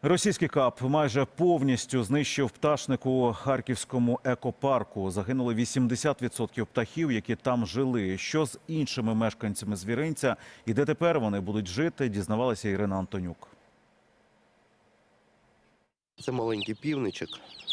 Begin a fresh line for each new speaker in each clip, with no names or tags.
Російський КАП майже повністю знищив пташник у Харківському екопарку. Загинули 80% птахів, які там жили. Що з іншими мешканцями звіринця і де тепер вони будуть жити, дізнавалася Ірина Антонюк.
Це маленький півничок.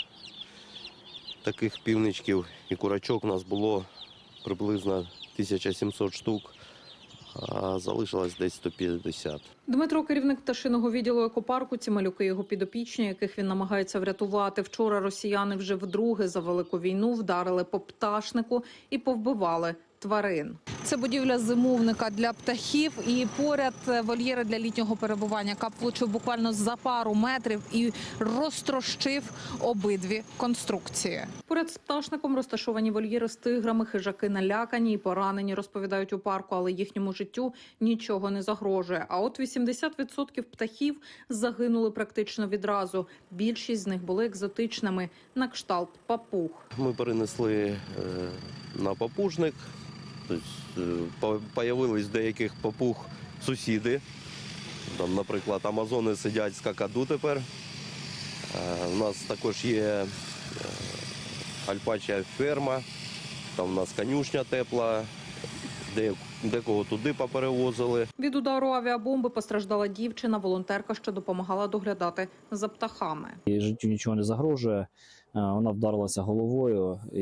Таких півничків і курочок у нас було приблизно 1700 штук, а залишилось десь 150.
Дмитро – керівник пташиного відділу екопарку. Ці малюки – його підопічні, яких він намагається врятувати. Вчора росіяни вже вдруге за велику війну вдарили по пташнику і повбивали тварин.
Це будівля зимовника для птахів і поряд вольєри для літнього перебування. КАП влучив буквально за пару метрів і розтрощив обидві конструкції.
Поряд з пташником розташовані вольєри з тиграми, хижаки налякані і поранені, розповідають у парку, але їхньому життю нічого не загрожує. А от 80% птахів загинули практично відразу. Більшість з них були екзотичними, на кшталт папуг.
Ми перенесли на папужник. Появились деяких папуг сусіди. Там, наприклад, амазони сидять з какаду тепер. У нас також є альпача ферма, там у нас конюшня тепла, декого туди поперевозили.
Від удару авіабомби постраждала дівчина, волонтерка, що допомагала доглядати за птахами.
Її життю нічого не загрожує, вона вдарилася головою. І,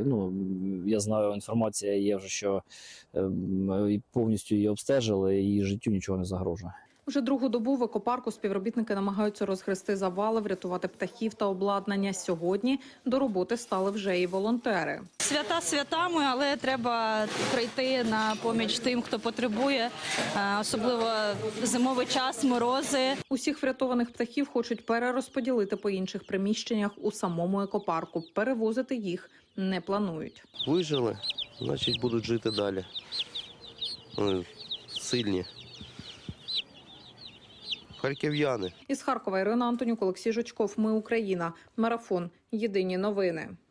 я знаю, інформація є вже, що повністю її обстежили, і її життю нічого не загрожує.
Вже другу добу в екопарку співробітники намагаються розгрести завали, врятувати птахів та обладнання. Сьогодні до роботи стали вже і волонтери.
Свята святами, але треба прийти на поміч тим, хто потребує, особливо зимовий час, морози.
Усіх врятованих птахів хочуть перерозподілити по інших приміщеннях у самому екопарку. Перевозити їх не планують.
Вижили, значить будуть жити далі. Вони сильні. Харків'яни.
Із Харкова Ірина Антонюк, Олексій Жучков. Ми Україна. Марафон. Єдині новини.